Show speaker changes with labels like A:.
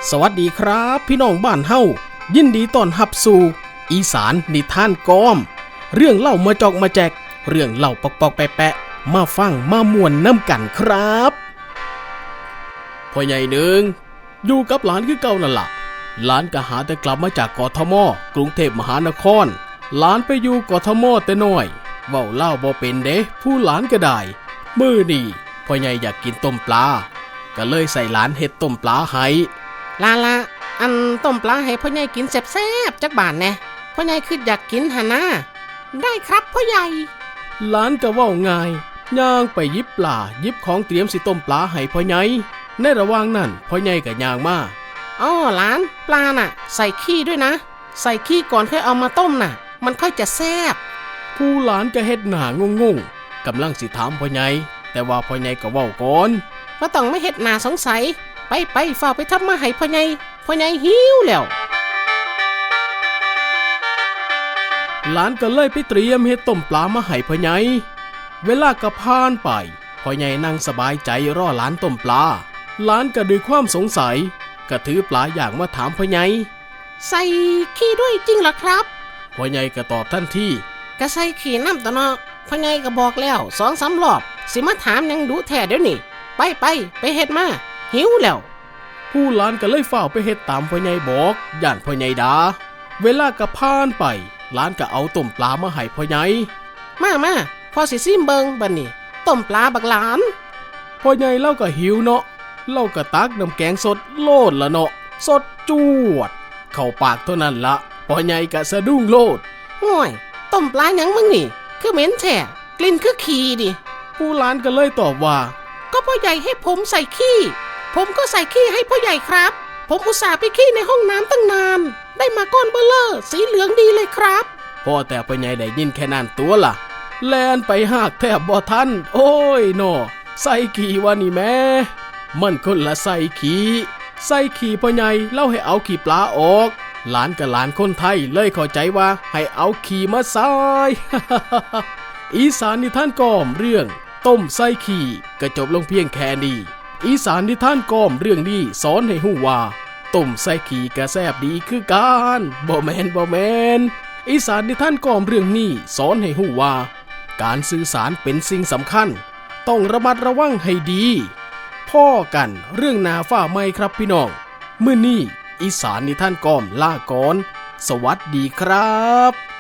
A: สวัสดีครับพี่น้องบ้านเฮายินดีต้อนรับสู่อีสานนิทานกอมเรื่องเล่ามาจอกมาแจกเรื่องเล่าปอกๆแปะๆมาฟังมาม่วนน้ำกันครับพ่อใหญ่หนึ่งอยู่กับหลานคือเก่านั่นล่ะหลานก็หาแต่กลับมาจากกทม.กรุงเทพมหานครหลานไปอยู่กทม.แต่น้อยเว้าเล่าบ่เป็นเด้ผู้หลานก็ได้มื้อนี้พ่อใหญ่อยากกินต้มปลาก็เลยใส่หลานเฮ็ดต้มปลาให้
B: ลาอันต้มปลาให้พ่อใหญ่กินแซ่บๆจักบาทแน่พ่อใหญ่คืออยากกินหะนะได้ครับพ่อใหญ่
A: หลานก็เว้าง่ายย่างไปหยิบปลาหยิบของเตรียมสิต้มปลาให้พ่อใหญ่ในระหว่างนั้นพ่อใหญ่ก็ย่างมา
B: อ๋อหลานปลาน่ะใส่ขี้ด้วยนะใส่ขี้ก่อนค่อยเอามาต้มน่ะมันค่อยจะแซ่บ
A: ผู้หลานก็เฮ็ดหน้างงๆกำลังสิถามพ่อใหญ่แต่ว่าพ่อใหญ่ก็เว้าก่อน
B: บ่ต้องไม่เฮ็ดหน้าสงสัยไปฝ้าไปทำมาให้พ่อใหญ่หิวแล้ว
A: หลานก็เลยไปเตรียมเฮ็ดต้มปลามาให้พ่อใหญ่เวลาก็ผ่านไปพ่อใหญ่นั่งสบายใจรอหลานต้มปลาหลานก็ด้วยความสงสัยก็ถือปลาอย่างมาถามพ่อใหญ่
B: ใส่ขี้ด้วยจริงเหรอครับ
A: พ่อใหญ่ก็ตอบทันที
B: ก็ใส่ขี้น้ำตะเนาะพ่อใหญ่ก็บอกแล้ว2-3 รอบสิมาถามยังดูแท้เดี๋ยวนี้ไปเฮ็ดมาหิวแล้ว
A: ผู้หลานก็เลยฝ้าวไปเฮ็ดตามพ่อใหญ่บอกย่านพ่อใหญ่ด่าเวลาก็ผ่านไปหลานก็เอาต้มปลามาให้พ่อใหญ่
B: มาพอสิซิมเบิงบัดนี้ต้มปลาบักหลาน
A: พ่อใหญ่เล่าก็หิวเนาะเล่าก็ตักน้ำแกงสดโลดละเนาะสดจวดเข้าปากเท่านั้นละพ่อใหญ่ก็สะดุ้งโลด
B: ห่วยต้มปลาหยังมึงนี่คือเหม็นแท้กลิ่นคือขี้ดิ
A: ผู้หลานก็เลยตอบว่า
B: ก็พ่อใหญ่ให้ผมใส่ขี้ผมก็ใส่ขี้ให้พ่อใหญ่ครับผมอุตส่าห์ไปขี้ในห้องน้ำตั้งนานได้มาก้อนเบลเลอร์สีเหลืองดีเลยครับ
A: พ่อแต่พ่อใหญ่ได้ยินแค่นั้นตัวล่ะแลนไปหากแทบบ่ทันโอ้ยโนใส่ขี้วะนี่แม่มันคนละใส่ขี้พ่อใหญ่เล่าให้เอาขี้ปลาออกหลานกับหลานคนไทยเลยเข้าใจว่าให้เอาขี้มาใส่ อีสานนิทานกอมเรื่องต้มใส่ขี้ก็จบลงเพียงแค่นี้อีสานนิทานกอมเรื่องนี้สอนให้ฮู้ว่าต้มใส่ขี้ก็แซ่บดีคือกันบ่แม่นอีสานนิทานกอมเรื่องนี้สอนให้ฮู้ว่าการสื่อสารเป็นสิ่งสำคัญต้องระมัดระวังให้ดีพ่อกันเรื่องนาฟ้าไหมครับพี่น้องมื้อนี้อีสานนิทานกอมลาก่อนสวัสดีครับ